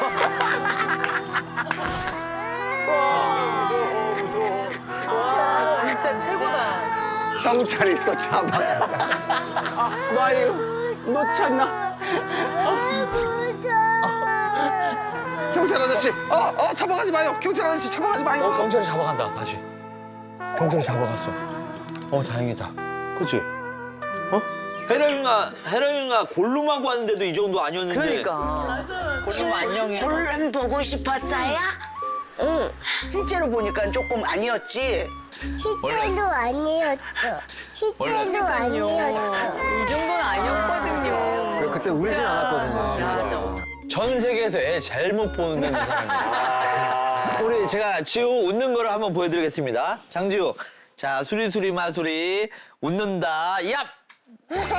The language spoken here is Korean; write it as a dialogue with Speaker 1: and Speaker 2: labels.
Speaker 1: 와, 진짜 최고다.
Speaker 2: 경찰이 또 잡아가자. 아유, 놓쳤나? 경찰 아저씨, 잡아가지 마요. 경찰 아저씨 잡아가지 마요.
Speaker 3: 경찰이 잡아간다, 다시. 경찰이 잡아갔어. 다행이다. 그치?
Speaker 4: 헤로인가 골룸하고 왔는데도 이 정도 아니었는데.
Speaker 1: 그러니까.
Speaker 4: 골룸 안녕해.
Speaker 5: 골룸 보고 싶었어요? 응. 실제로 보니까 조금 아니었지?
Speaker 6: 실제도 아니었어. 실제도 아니었어.
Speaker 1: 이 정도는 아니었거든요.
Speaker 3: 그때 울진 않았거든요, 지우가.
Speaker 4: 전 세계에서 애 제일 못 보는 사람이에요. 우리 제가 지우 웃는 거를 한번 보여드리겠습니다. 장지우. 자, 수리수리 마수리 웃는다. 얍!